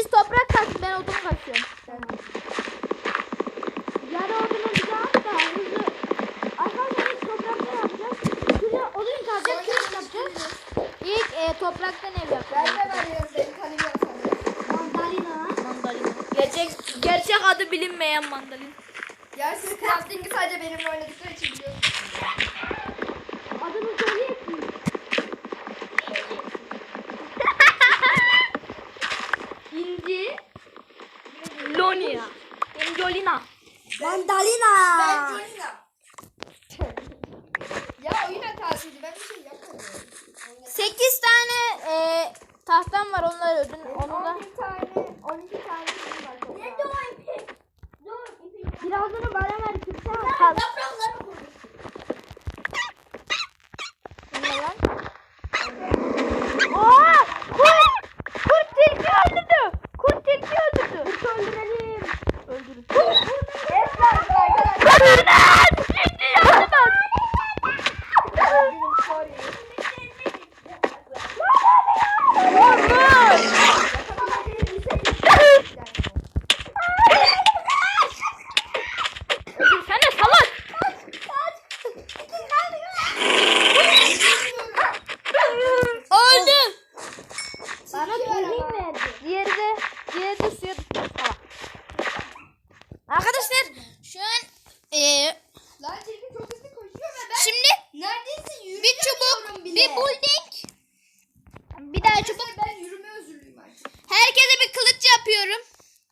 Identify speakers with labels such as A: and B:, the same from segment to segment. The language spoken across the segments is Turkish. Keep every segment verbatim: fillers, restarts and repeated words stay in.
A: Siz toprak kasın, ben odun kasıyorum.
B: Yarı odunu bize at da hızlı. Arkadaşlar biz toprakta yapacağız. Şuraya odun kalacak, kürek yapacağız.
A: İlk e, topraktan ev
C: Ben
A: yapacağız.
C: de veriyorum benim kalemim sana.
B: Mandalina.
A: Mandalina. Gerçek, gerçek adı bilinmeyen mandalina.
C: Gerçi crafting'i sadece benimle oynadıkları için biliyorsun.
B: Adını söyleyeyim mi?
A: İnci. Lonia. Injolina.
B: Mandalina.
C: Ben Jolina. Ya oyun hatasıydı, ben bir şey yapmadım.
A: sekiz tane e, tahtam var, onları ödün. Onu da
C: on bir tane, on iki tane şey var.
B: Nerede o ipek? Dur ipek. Birazını bana ver kırsan.
A: Kal.
B: Yaprakları koy.
A: Ne lan? Aa! Kurt! Kurt tilki öldürdü. Kurt tilki öldürdü.
B: Kurt öldürelim.
A: Öldürün.
C: Esra arkadaşlar.
A: Öldürün! Şimdi yardım et.
C: Benim sorry.
A: Öldürsene salak. Öldü.
B: Bana tüylik verdi.
A: Diğeri de, diğeri de suya düştü. Salak. Arkadaşlar şu an eee
C: Lan tilki çok hızlı koşuyor ve ben
A: şimdi
C: neredeyse yürüyemiyorum
A: bir çubuk,
C: bile.
A: bir bulding, bir daha çubuk.
C: Arkadaşlar ben yürüme özürlüyüm artık.
A: Herkese bir kılıç yapıyorum.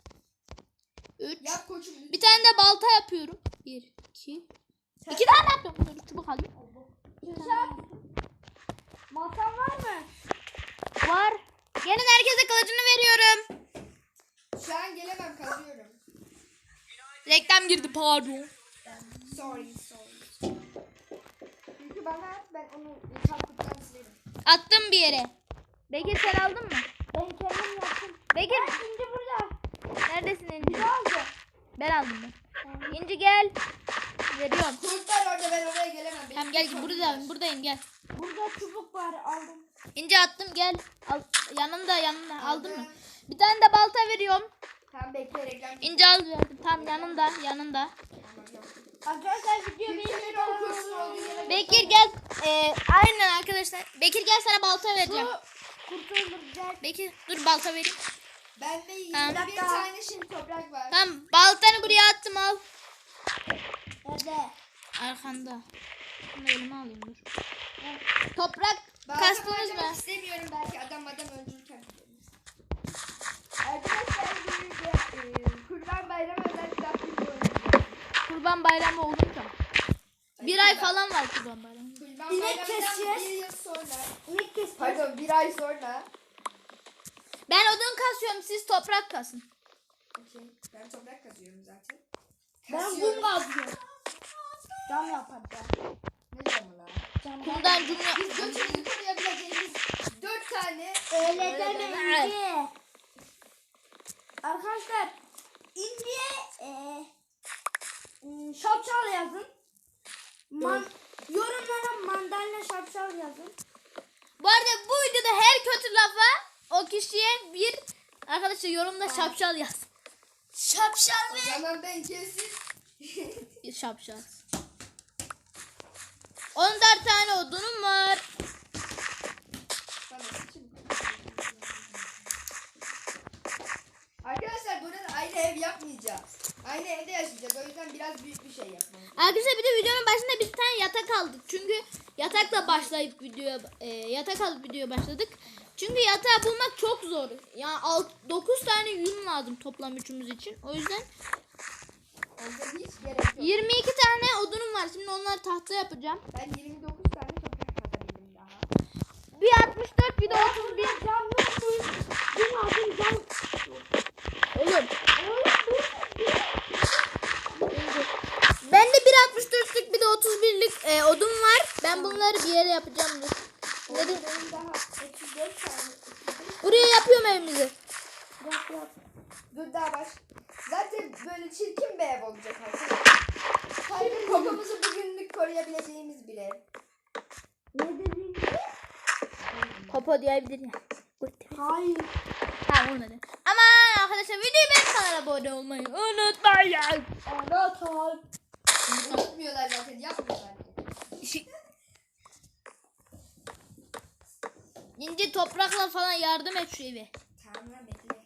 A: Üç.
C: Yap koçum.
A: Bir tane de balta yapıyorum. Bir, iki. İki tane yapıyorum. Dur, çubuk alayım.
B: Kürşat. Masan var mı?
A: Var. Gelin herkese kılıcını veriyorum.
C: Şu an gelemem, kazıyorum.
A: Reklam girdi pardon.
C: Sorry, sorry. Çünkü bana at, ben onu kalkıptan silerim.
A: Attım bir yere. Bekir sen aldın mı?
B: Ben kendim yaptım.
A: Bekir
B: Şimdi burada.
A: neredesin İnci?
B: Ne oldu?
A: Ben aldım ben. İnci gel. Veriyorum.
C: Kurtlar orada, ben oraya gelemem. Benim
A: Tamam gel
C: kurtlarım
A: buradayım
C: var.
A: buradayım gel.
B: Burada çubuk var aldım.
A: İnci attım gel. Al, yanında yanında aldın mı? Bir tane de balta veriyorum.
C: Tamam bekle, reklam.
A: İnci al verdim. Tam yanında yanında.
C: Tamam, yaptım.
B: Arkadaşlar video
C: Kimsenin o kurtun olduğu yere
A: Bekir gel. Ee, aynen arkadaşlar. Bekir gel sana balta vereceğim.
B: Kurt öldürecek.
A: Bekir dur balta vereyim.
C: Bende yirmi
A: Tamam.
C: bir tane şimdi toprak var.
A: Tamam baltanı buraya attım al.
B: Nerede?
A: Arkanda. Bunu elime alayım dur. Toprak
C: Bazen
A: kastınız
C: harcamak
A: mı?
C: istemiyorum, belki adam adam öldürürken. Arkadaşlar bir de e, Kurban Bayramı özel crafting oynayacağız.
A: Kurban bayramı olunca. Bir ay falan var kurban bayramı.
C: Kurban
B: İnek
C: Bayramı'ndan
B: keseceğiz.
C: bir yıl sonra.
B: İnek kestim.
C: Pardon, bir ay sonra.
A: Ben odun kasıyorum siz toprak kasın.
C: Okey. Ben toprak kazıyorum zaten.
B: Ben
C: Kasıyorum.
B: kum kazıyorum. Cam yapacağım.
C: Ne camı lan?
B: Cam
A: Kumdan cümle.
C: Biz götümüzü koruyabileceğimiz dört tane.
B: Öyle deme İnci. Arkadaşlar İnci'ye e, e, şapşal yazın. Man, yorumlara mandalina şapşal yazın.
A: Bu arada bu videoda her kötü lafa o kişiye bir arkadaşlar yorumda şapşal yaz.
B: Şapşal
C: O zaman ben kesin.
A: Şapşal. on dört tane odunum var.
C: Bana sıçın. Arkadaşlar burada aynı ev yapmayacağız. Aynı evde yaşayacağız. O yüzden biraz büyük bir şey yapmamız.
A: Arkadaşlar bir de videonun başında bir tane yatak aldık. Çünkü yatakla başlayıp videoya e, yatak alıp videoya başladık. Çünkü yatağı bulmak çok zor. Yani dokuz tane yün lazım toplam üçümüz için. O yüzden
C: Onda hiç gerek yok.
A: yirmi iki tane odunum var. Şimdi onları tahta yapacağım.
C: Ben yirmi dokuz tane toprak kazabildim daha.
A: Bir altmış dört bir de otuz bir.
B: Cam yok mu? Bir lazım cam.
A: Oğlum. Bende bir altmış dörtlük bir de otuz birlik e, odun var. Ben bunları bir yere yapacağım. Dur.
C: Orada
A: Nereye?
C: benim daha otuz dört tane.
A: Buraya yapıyorum evimizi.
C: Yap yap. Dur daha baş. Zaten böyle çirkin bir ev olacak artık. Sadece kokumuzu bugünlük koruyabileceğimiz bir ev.
B: Ne dedin?
A: Popo diyebilir ya.
B: Hayır.
A: Tamam olmadı. Aman unutmayın arkadaşlar. Videoyu beğenip kanala abone olmayı unutmayın.
B: Anahtar.
C: Unutmuyorlar zaten. Yapmıyorlar.
A: İnce toprakla falan yardım et şu eve.
C: Tamam lan bekle.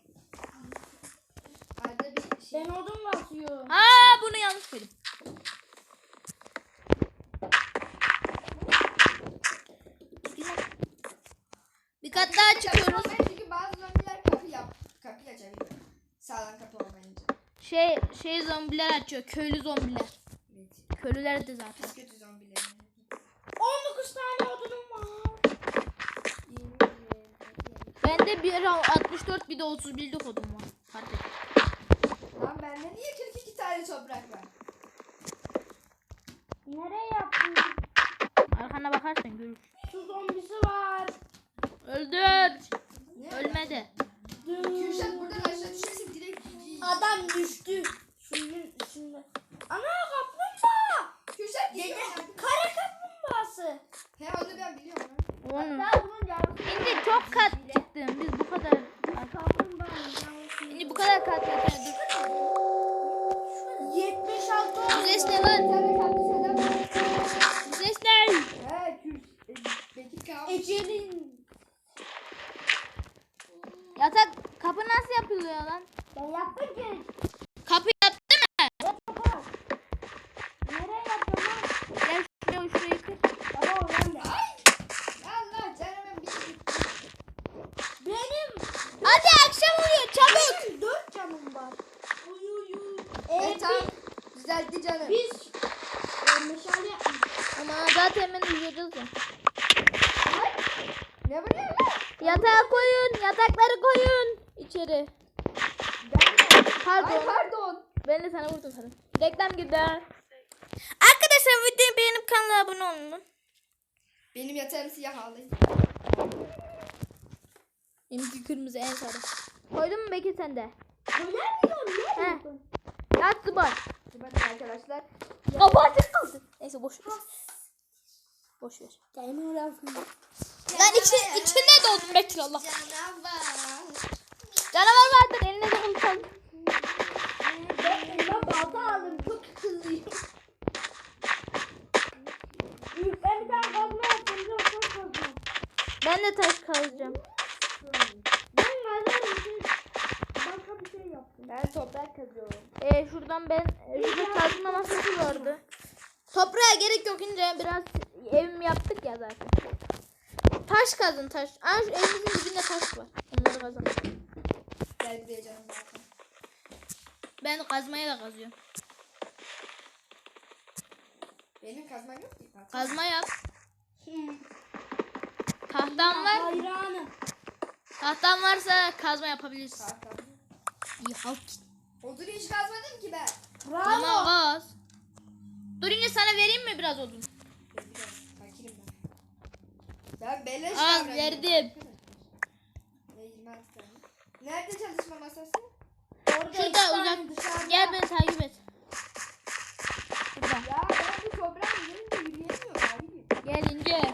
C: Arada bir şey.
B: Ben odun basıyorum.
A: Aa bunu yanlış koydum. Bir kat daha çıkıyoruz.
C: Ben çünkü bazı zombiler kapı yap. Kapıyı açabiliyor. Sağlam kapı olmayınca.
A: Şey şey zombiler açıyor. Köylü zombiler.
C: Evet.
A: Köylüler de zaten.
C: Pis kötü zombiler.
B: on dokuz tane odunum var.
A: Bende bir altmış dört bir de otuz birlik odun var. Fark et.
C: Lan bende niye kırk iki tane toprak var?
B: Nereye yaptın?
A: Arkana bakarsan görürsün.
B: Su zombisi var.
A: Öldür.
C: Ne?
A: Ölmedi.
C: Kürşat buradan aşağı düşersin direkt.
B: Adam düştü. Suyun içinde. Ana kaplumbağa.
C: Kürşat geliyor.
B: Kara kaplumbağası.
C: He onu ben biliyorum lan.
A: Onu.
B: Hatta bunun yavrusu.
A: Şimdi çok kat çıktım. Biz bu kadar.
B: Kaplumbağanın yavrusu.
A: Şimdi bu kadar kat yeter. Dur.
B: yetmiş altı
A: Bu
B: oldu.
A: ses ne
C: Bir
A: lan?
C: tane kaktüs adam var.
A: Bu ses ne?
C: He Kürşat. Bekir kalmış.
B: Ecelin.
A: Yatak kapı nasıl yapılıyor lan?
B: Ben yaptım ki.
A: Kapı yaptı mı?
B: Yapamam. Nereye yapacağım lan?
A: Gel şuraya şurayı kır.
B: Baba o ben de.
C: Ay. Allah canımın bir şey.
B: Benim.
A: Hadi akşam oluyor çabuk.
B: Benim dört canım var. Uy uy uy.
C: Evet
B: Ee,
C: tamam. Düzeltti canım.
B: biz, biz e, meşale yapmıştık.
A: Ama zaten hemen uyuyacağız ya.
C: Ne bu ne lan?
A: Yatağa koyun. Yatakları koyun. İçeri.
C: Ben de.
A: Pardon.
C: Ay pardon.
A: Ben de sana vurdum sana. Reklam girdi. Arkadaşlar videoyu beğenip kanala abone olun.
C: Benim yatağım siyah ağlayın.
A: Benimki kırmızı en sarı. Koydun mu Bekir sen de?
B: Öyle mi diyorum?
A: He.
B: Ne diyorsun?
A: Yat zıbar.
C: Bakın arkadaşlar.
A: Kapı açık kaldı. Neyse boş ver. Boş ver.
B: Gelme oraya.
A: Lan içi, içine doldum Bekir Allah.
C: Canavar.
A: Canavar vardır eline de kılıç al.
B: Ben elime balta aldım. Çok hızlıyım. Ben bir tane kazma yaptım. Çok çok kazma.
A: Ben de taş kazacağım.
B: Ben kazarım. Siz başka bir şey yaptım.
C: Ben toprak kazıyorum.
A: Ee, şuradan ben e, şurada kazma masası vardı. Toprağa gerek yok ince biraz evimi yaptık ya zaten. Taş kazın taş. Aa şu evimizin dibinde taş var. Onları kazalım.
C: Gel buraya canım zaten.
A: Ben kazmaya da kazıyorum.
C: Benim kazmam yok ki. Zaten.
A: Kazma yap. Tahtan var.
B: Hayranım.
A: Tahtan varsa kazma yapabilirsin.
C: Tahtam.
A: İyi halk.
C: Odun hiç kazmadım ki ben.
A: Ama
B: Bravo.
A: kaz. Dur ince sana vereyim mi biraz odun?
C: Ben biraz fakirim ben. Ben beleş
A: Al,
C: davranıyorum
A: verdim.
C: arkadaşlar. Ve yirmi altı tane. Nerede çalışma masası?
B: Orada iki
A: Şurada
B: tane
A: uzak.
B: dışarıda.
A: Gel beni takip et. Burada.
C: Ya ben bu toprağın üzerinde yürüyemiyorum abicim.
A: Gel ince.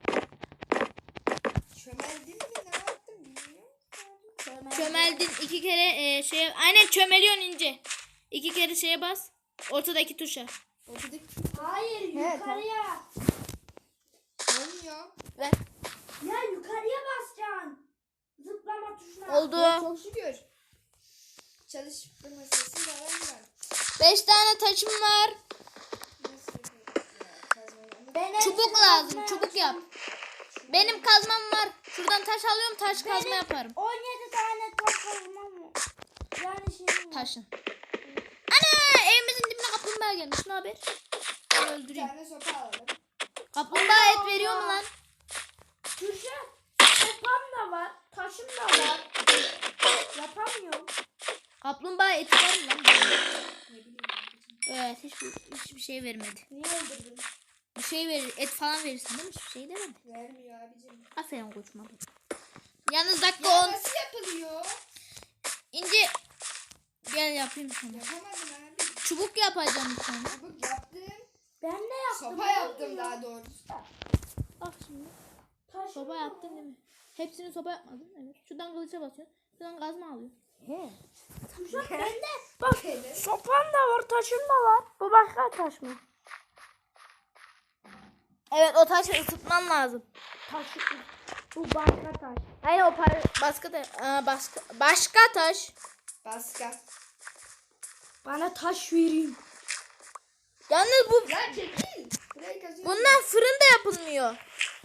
C: Çömeldim mi ne yaptım bilmiyorum.
A: Çömeldin iki kere e, şeye. Aynen çömeliyorsun ince. İki kere şeye bas. Ortadaki tuşa.
C: Oturduk.
B: Hayır
C: Evet,
B: yukarıya.
C: Olmuyor.
A: Ver.
B: Ya yukarıya basacaksın. Zıplama tuşuna.
C: Ya
A: Oldu.
C: çok şükür. Çalışma masası da var mı?
A: Beş tane taşım var.
C: Nasıl yapıyoruz ya? Kazmayı-
B: Ben
A: Çubuk
B: hepsini
A: lazım.
B: kazmaya
A: Çubuk yap.
B: çalışıyorum.
A: Benim kazmam var. Şuradan taş alıyorum. Taş kazma
B: Benim
A: yaparım.
B: on yedi tane taş kazmam var. Yani şeyim var.
A: Taşın. Ana evimizin dibine kaplumbağa gelmiş. Ne haber? Ben
C: Bir
A: öldüreyim.
C: tane sopa alalım.
A: Kaplumbağa et
B: Allah
A: veriyor mu
B: Allah.
A: lan?
B: Kürşat. Sopam da var. Taşım da var. Yapamıyorum.
A: Kaplumbağa eti var mı lan?
C: Ne bileyim.
A: Evet hiçbir, hiçbir şey vermedi.
B: Niye öldürdün?
A: Bir şey verir. Et falan verirsin değil mi? Hiçbir şey demedi.
C: Vermiyor abicim.
A: Aferin koçuma. Yalnız dakika
C: Ya
A: on.
C: nasıl yapılıyor?
A: İnce. Gel yapayım sana.
C: Yapamadım abi.
A: Çubuk yapacağım sana.
C: Çubuk yaptım.
B: Ben de yaptım.
C: Sopa
B: ne
C: yaptım
B: oluyor?
C: daha doğrusu.
A: Bak şimdi.
B: Taşım
A: Soba
B: da
A: yaptın
B: var.
A: değil mi? Hepsini soba yapmadın. Evet. Şuradan kılıça basıyorsun. Şuradan kazma alıyorsun.
B: He. Kürşat bende. Bak
C: Şeyde.
B: sopan da var, taşım da var. Bu başka taş mı?
A: Evet o taşı ısıtman lazım.
B: Taş. Bu başka taş.
A: Hayır o para başka da Aa, başka başka taş.
C: Başka.
B: Bana taş verin.
A: Yalnız bu
C: Ya çekil. Burayı kazıyorum.
A: bundan fırın da yapılmıyor.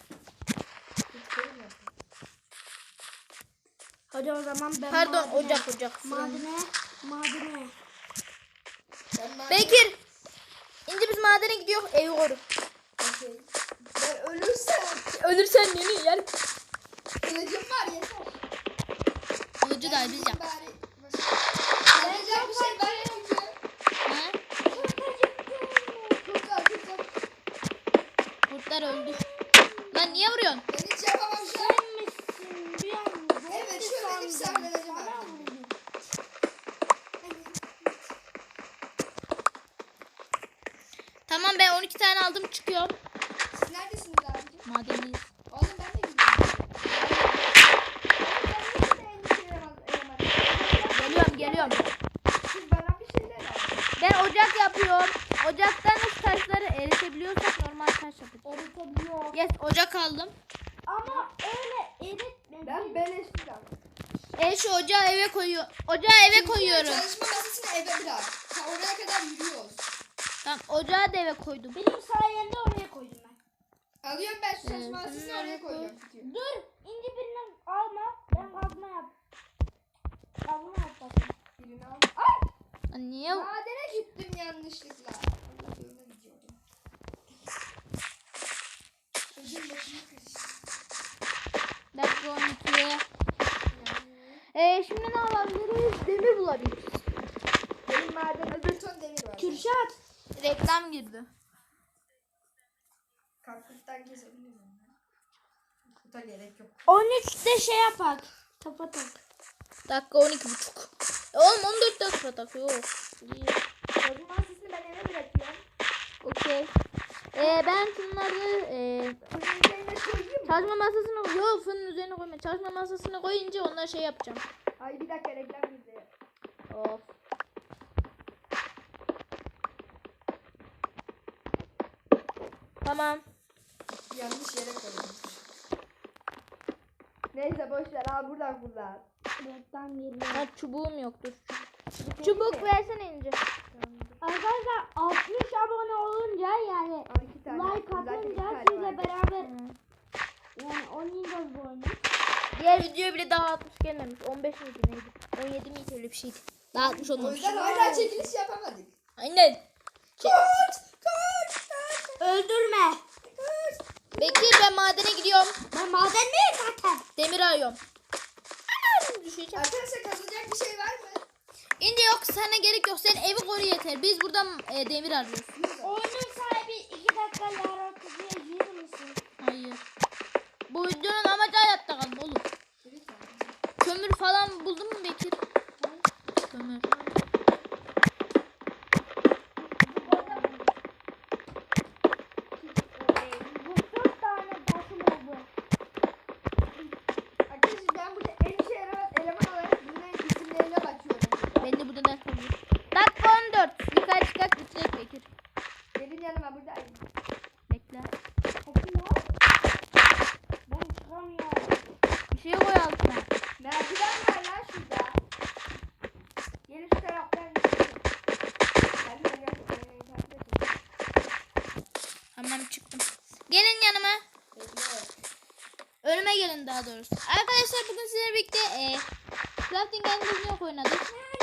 B: Hadi o zaman ben
A: Pardon
B: madene-
A: ocak ocak. Fırın.
B: Madene. Madene.
C: Ben madem-
A: Bekir. İnce biz madene gidiyor evi koru.
C: Okey. Ben ölürsem
A: Ölürsen yeni yer.
C: kılıcım var yeter.
A: Kılıcı da biz yap.
C: Bari. Yapacak bir şey var çünkü.
A: Ha?
C: Kurtlar kurtlar.
A: Kurtlar öldü. Lan niye vuruyorsun?
C: Ben hiç yapamam şu an.
B: Sen misin? Bir an
C: Evet şöyle bir sahnelerim var.
B: Bana vurdun.
A: Tamam ben on iki tane aldım çıkıyorum.
C: Siz neredesiniz abicim?
A: Madendeyiz.
C: Oğlum ben de gidiyorum. Ben de endişeler al-
A: Geliyorum geliyorum.
C: Siz bana bir şeyler alın.
A: Ben ocak yapıyorum. Ocaktan nasıl taşları eritebiliyorsak normal taş yapacağız.
B: Eritebiliyor.
A: Yes ocak aldım.
B: Ama öyle eritme.
C: Ben beleşsiz aldım.
A: E şu ocağı eve koyuyor. Ocağı eve koyuyorum.
C: Çalışma masasını eve bırak. Ta oraya kadar yürüyoruz.
A: Tamam ocağı da eve koydum.
B: Benim sayende oraya koydum ben.
C: Alıyorum ben şu çalışma
A: Evet,
C: masasını
A: sen
C: oraya
A: nereye
C: koyuyorum.
B: Dur. İnci birinden alma. Ben kazma yap. Kazma yap bakayım.
C: Birini al. Ay!
A: Lan niye?
C: Madene gittim yanlışlıkla. Allah yoluna gidiyordum. Gözüm başıma karıştı.
A: Dakika on ikiye. E şimdi ne alabiliriz? Demir bulabiliriz.
C: Benim madende bir ton demir var.
B: Kürşat.
A: Reklam girdi.
C: Kalkıktan kesebilir miyim? Kuta gerek yok.
B: on üçte şey yapak. Tapa tak.
A: Dakika on iki buçuk. E oğlum on dört dakika takıyor. İyi.
C: Çalışma masasını ben eve bırakıyorum.
A: Okey. E ben şunları e,
C: Fırının üzerine koyayım mı?
A: çalışma masasını yok fırının üzerine koyma. Çalışma masasını koyunca onları şey yapacağım.
C: Ay bir dakika reklam girdi.
A: Of. Tamam.
C: Yanlış yere koydum. Neyse boş ver abi buradan kullan.
B: Reklam geliyor.
A: Ha, çubuğum yoktur. Çubuk versene ince.
B: Arkadaşlar altmış abone olunca yani
C: Al iki tane.
B: like
C: Zaten iki
B: atınca
C: tane
B: sizle
C: vardı.
B: beraber
A: Hı.
B: yani oynayacağız bu oyunu.
A: Diğer video bile daha altmış gelmemiş. on beş miydi neydi? on yedi miydi öyle bir şeydi. Daha altmış
C: O
A: olmamış.
C: yüzden hala çekiliş yapamadık.
A: Aynen.
C: Kaç! Kaç! Kaç!
B: Öldürme.
C: Kaç!
A: Bekir ben madene gidiyorum.
B: Ben madendeyim zaten.
A: Demir arıyorum. Anam düşeceğim.
C: Arkadaşlar kazılacak bir şey var mı?
A: İnce yok sana gerek yok. Sen evi koru yeter. Biz buradan e, demir arıyoruz.
B: Oyunun sahibi iki dakika Lara kutuya girir misin?
A: Hayır. Bu videonun amacı hayatta kalma oğlum. Kömür falan buldun mu Bekir? Kömür.
B: Bu dört tane taşım oldu.
C: Arkadaşlar ben burada en işe yarayan eleman olarak bunların isimlerine bakıyorum.
A: Ben de burada ders alıyorum. Dakika on dört. Yukarı çıkart bitirek Bekir.
C: Gelin yanıma burada. Ay,
A: Bekle.
B: Bakın ya. Ben çıkamıyorum.
A: Bir şey koy altına.
C: merdiven var lan şurada. Gelin şu taraftan. Ben de gerçekten beni takip edin.
A: Tamam çıktım. Gelin yanıma.
C: Bekle.
A: Önüme gelin daha doğrusu. Arkadaşlar bugün sizlerle birlikte e, Crafting and Building oynadık.